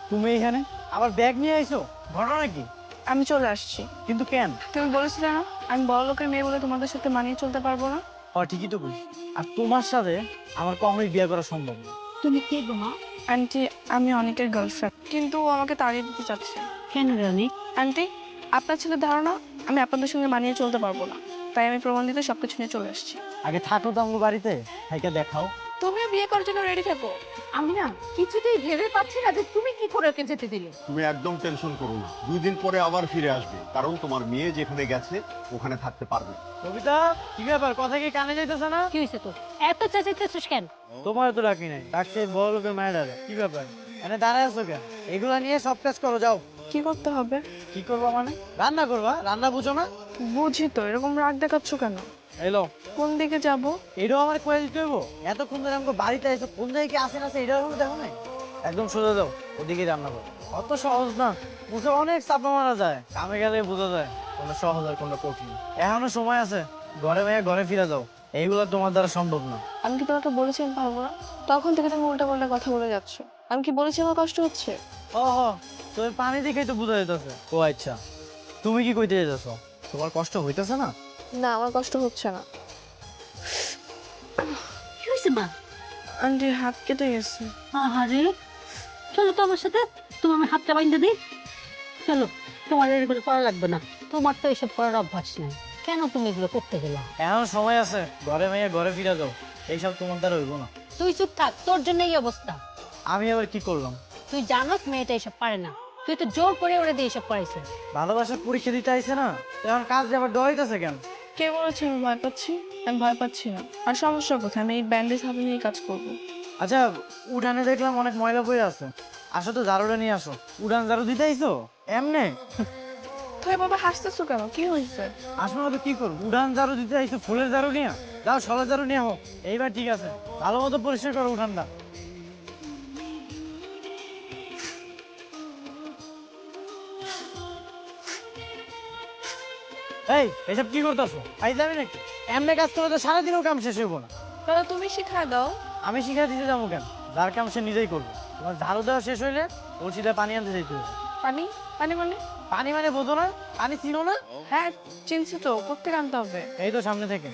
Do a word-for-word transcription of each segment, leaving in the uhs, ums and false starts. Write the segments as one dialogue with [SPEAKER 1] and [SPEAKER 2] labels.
[SPEAKER 1] তুমি এখানে আবার ব্যাগ নিয়ে আইছো, ঘটনা কি?
[SPEAKER 2] আমি চলে আসছি।
[SPEAKER 1] কিন্তু কেন?
[SPEAKER 2] তুমি বলেছিলে না আমি বড় লোকের মেয়ে বলে তোমাদের সাথে মানিয়ে চলতে পারবো না।
[SPEAKER 1] ও ঠিকই তো বুঝি। আর তোমার সাথে আমার কখনোই বিয়ে করা সম্ভব না।
[SPEAKER 3] তুমি কে গো মা?
[SPEAKER 2] আন্টি, আমি অনেকের গার্লফ্রেন্ড, কিন্তু ও আমাকে তাড়িয়ে দিতে চাচ্ছে।
[SPEAKER 3] কেন রানী?
[SPEAKER 2] আন্টি, আপনার ছেলের ধারণা আমি আপনাদের সঙ্গে মানিয়ে চলতে পারবো না, তাই আমি প্রমাণ দিতে সবকিছু নিয়ে চলে আসছি।
[SPEAKER 1] আগে থাকো তো আমার বাড়িতে, থাইকা দেখাও।
[SPEAKER 2] তুমিও বিয়ে করার জন্য রেডি থাকো।
[SPEAKER 3] আমি না কিছুতেই ভেবে পাচ্ছি না যে তুমি কি করে ওকে যেতে দিলে।
[SPEAKER 4] তুমি একদম টেনশন করো না, দুই দিন পরে আবার ফিরে আসবে, কারণ তোমার মেয়ে যেখানে গেছে ওখানে থাকতে পারবে।
[SPEAKER 1] কবিতা, কি ব্যাপার? কথা কি কানে যাইতেছে না?
[SPEAKER 3] কি হয়েছে তোর? এত চেঁচাইতেছিস কেন?
[SPEAKER 1] তোমার তো ডাকি নাই, ডাকছে বড় লোকের মায়ের। কি ব্যাপার এনে দাঁড়ায় আছো কেন? এগুলা নিয়ে সব কাজ করো, যাও।
[SPEAKER 2] কি করতে হবে?
[SPEAKER 1] কি করবা মানে? রান্না করবা? রান্না বুঝো না?
[SPEAKER 2] বুঝি তো, এরকম রাগ দেখাচ্ছ কেন?
[SPEAKER 1] এলো,
[SPEAKER 2] কোন দিকে যাব?
[SPEAKER 1] এটাও আমার কয়ে দিতে হইব? এতক্ষণ ধরে আমাকে বাড়িতে এসে কোন জায়গায় কি আসেন আছে এটাও আমি দেখো নাই। একদম সোজা যাও, ওদিকে রান্না করো। অত সহজ না, বুঝে অনেক চাপা মারা যায়, কামে গেলে বোঝা যায় কোনটা সহজ আর কোনটা কঠিন। এখনো সময় আছে, ঘরে মেয়ে ঘরে ফিরে যাও, এইগুলো তোমার দ্বারা সম্ভব না।
[SPEAKER 2] আমি কি তোমাকে বলেছি আমি পারবো না? তখন থেকে তুমি উল্টা পাল্টা কথা বলে যাচ্ছ। আমি কি বলেছি আমার কষ্ট হচ্ছে?
[SPEAKER 1] ও হো, তুমি পানি দেখেই তো বোঝা যেতেছে। ও আচ্ছা, তুমি কি কইতে যেতেছো? তোমার কষ্ট হইতেছে না?
[SPEAKER 2] না, আমার কষ্ট হচ্ছে না।
[SPEAKER 3] কি হয়েছে মা?
[SPEAKER 2] আন্টি, হাত কেটে গেছে।
[SPEAKER 3] আহারে, চলো তো আমার সাথে, তুমি আমি হাতটা বাইন্ধে দিই। চলো, তোমার এগুলো করা লাগবে না, তোমার তো এসব করার অভ্যাস নেই। কেন তুমি এগুলো করতে গেলা?
[SPEAKER 1] এখন সময় আছে, ঘরে মেয়ে ঘরে ফিরে যাও, এইসব তোমার দ্বারা হইব না।
[SPEAKER 3] তুই চুপ থাক, তোর জন্য এই অবস্থা।
[SPEAKER 1] আমি আবার কি করলাম?
[SPEAKER 3] তুই জানোস মেয়েটা এসব পারে না, তুই তো জোর করে ওরে দিয়ে এসব করাইছিস।
[SPEAKER 1] ভালোবাসার পরীক্ষা দিতে আইছে না, এখন কাজ যে আবার ডরাইতেছে কেন?
[SPEAKER 2] কে বলেছে আমি ভয় পাচ্ছি? আমি ভয় পাচ্ছি না। আর সমস্যা কোথায়? আমি এই ব্যান্ডেজ হাতে নিয়ে কাজ করবো।
[SPEAKER 1] আচ্ছা, উঠানে দেখলাম অনেক ময়লা পড়ে আছে, আসো তো ঝাড়ুটা নিয়ে আসো। উঠান ঝাড়ু দিতে আইছো এমনে?
[SPEAKER 2] তো এভাবে হাসতেছো কেন? কি হয়েছে?
[SPEAKER 1] আসো না তো কি করবো, উঠান ঝাড়ু দিতে আইছো ফুলের ঝাড়ু নিয়ে? যাও সলের ঝাড়ু নিয়ে হোক, এইবার ঠিক আছে, ভালো মতো পরিষ্কার করো উঠানটা। এই এসব কি করতেছো? আইজামি নাকি? এমনি কাজ করলে তো সারাদিনও কাম শেষ হইব না।
[SPEAKER 2] তাহলে তুমি শিখায় দাও।
[SPEAKER 1] আমি শিখা দিতে যাবো কেন? যার কাম সে নিজেই করবে। তোমার ঝাড়ু দেওয়া শেষ হইলে কলসিতে পানি আনতে চাইতে হবে।
[SPEAKER 2] পানি? পানি মানে?
[SPEAKER 1] পানি মানে বোঝো না? পানি চিনো না?
[SPEAKER 2] হ্যাঁ, চিনছি তো। কোত্থেকে আনতে হবে?
[SPEAKER 1] এই তো সামনে থেকে।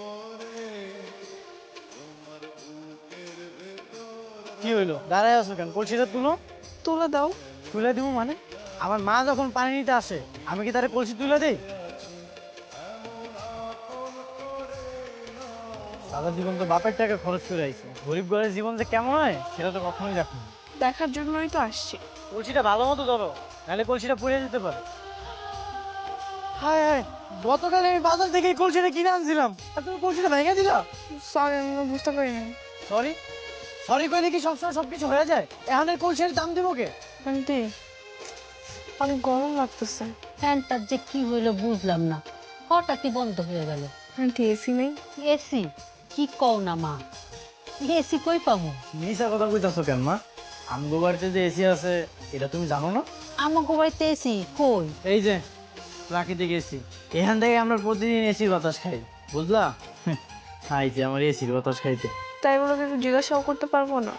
[SPEAKER 1] কি হইলো, দাঁড়ায় আছো কেন? কলসিটা তুলো।
[SPEAKER 2] তুলে দাও।
[SPEAKER 1] তুলে দিব মানে? আমার মা যখন পানি নিতে আসে আমি কি তারে কলসি তুলে দেই? সারা জীবন তো বাপের টাকা খরচ করে আইছে, গরিব ঘরের জীবন যে কেমন হয় সেটা তো কখনোই দেখো।
[SPEAKER 2] দেখার জন্যই তো আসছি।
[SPEAKER 1] কলসিটা ভালো মতো ধরো, নাহলে কলসিটা পুড়ে যেতে পারে। হায় হায়, গতকাল আমি বাজার থেকে এই কলসিটা কিনে আনছিলাম আর তুমি কলসিটা ভেঙে দিলা।
[SPEAKER 2] সরি, আমি বুঝতে পারিনি।
[SPEAKER 1] সরি? সরি কইলে কি সবসময় সবকিছু হয়ে যায়? এখন এই কলসির দাম দিব কে?
[SPEAKER 2] আন্টি, অনেক গরম লাগতেছে।
[SPEAKER 3] ফ্যানটার যে কি হইলো বুঝলাম না, হঠাৎই বন্ধ হয়ে গেল।
[SPEAKER 2] আন্টি, এসি নেই?
[SPEAKER 3] এসি? কি কও না মা, এসি কই পাবো?
[SPEAKER 1] মিশা কথা কইতাছো কেন মা? আমগো বাড়িতে যে এসি আছে এটা তুমি জানো না?
[SPEAKER 3] আমাকে বাড়িতে এসি কই?
[SPEAKER 1] এই যে প্রাকৃতিক এসি, এখান থেকে আমরা প্রতিদিন এসির বাতাস খাই, বুঝলা? হাই যে আমার এসির বাতাস খাইতে।
[SPEAKER 2] তাই বলে কিছু জিজ্ঞাসাও করতে পারবো না?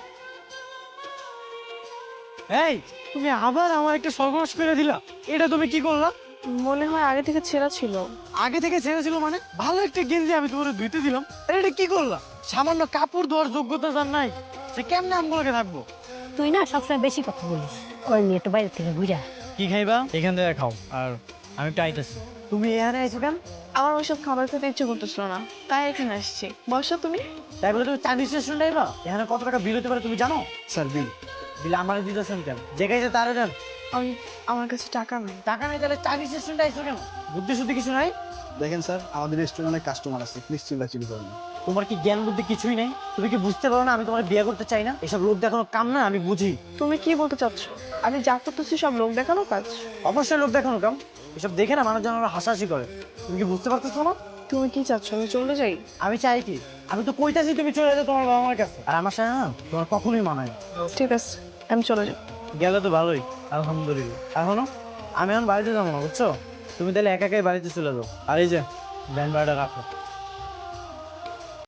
[SPEAKER 1] এই তুমি আবার আমার একটা সর্বনাশ করে দিলা, এটা তুমি কি করলা?
[SPEAKER 2] মনে হয় আগে থেকে ছেঁড়া ছিল।
[SPEAKER 1] আগে থেকে ছেড়ে ছিল মানে? ভালো একটা গেঞ্জি আমি তোমার ধুইতে দিলাম, আর এটা কি করলা? সামান্য কাপড় ধোয়ার যোগ্যতা যার নাই সে কেমনে আমগুলোকে থাকবো?
[SPEAKER 3] তুই না সবসময় বেশি কথা বলিস, ওই নিয়ে একটু বাইরে থেকে ঘুরে আয়।
[SPEAKER 1] কি খাইবা এখান থেকে খাও, আর আমি একটু আইতেছি। তুমি এখানে আইছো কেন?
[SPEAKER 2] আমার ওইসব খাবার খেতে ইচ্ছে করতেছিল না, তাই এখানে আসছি। বসো তুমি।
[SPEAKER 1] তাই বলে তুমি চাঁদি স্টেশন যাইবা? এখানে কত টাকা বিল হতে পারে তুমি জানো? স্যার বিল? বিল আমার দিতেছেন কেন? যে খাইছে তারে দেন।
[SPEAKER 2] আমি, আমার কাছে টাকা নেই।
[SPEAKER 1] টাকা নেই তাহলে চাঁদি স্টেশনটা আইছো কেন? বুদ্ধি শুদ্ধি কিছু নাই?
[SPEAKER 5] দেখেন স্যার, আমাদের রেস্টুরেন্টে কাস্টমার আছে, প্লিজ চিল্লাচিল্লি করবেন না।
[SPEAKER 1] তোমার কি জ্ঞান বুদ্ধি কিছুই নাই? তুমি কি বুঝতে পারো না আমি তোমার বিয়ে করতে চাই না? এসব লোক দেখানো কাম না, আমি বুঝি।
[SPEAKER 2] তুমি কি বলতে চাচ্ছ? আমি যা করতেছি সব লোক দেখানো কাজ?
[SPEAKER 1] অবশ্যই লোক দেখানো কাম, এসব দেখে না মানুষজন আরো হাসাহাসি করে। তুমি কি বুঝতে পারতেছো না?
[SPEAKER 2] তুমি কি চাচ্ছ আমি চলে যাই?
[SPEAKER 1] আমি চাই কি? আমি তো কইতাছি তুমি চলে যাও তোমার বাবা মার কাছে, আর আমার সাথে না তোমার কখনোই মানায় না।
[SPEAKER 2] ঠিক আছে, আমি চলে যাই।
[SPEAKER 1] গেলে তো ভালোই, আলহামদুলিল্লাহ। এখনো আমি এখন বাড়িতে যাবো না, বুঝছো? তুমি তাহলে একা একাই বাড়িতে চলে যাও, আর এই যে ব্যান্ড ভাড়াটা রাখো।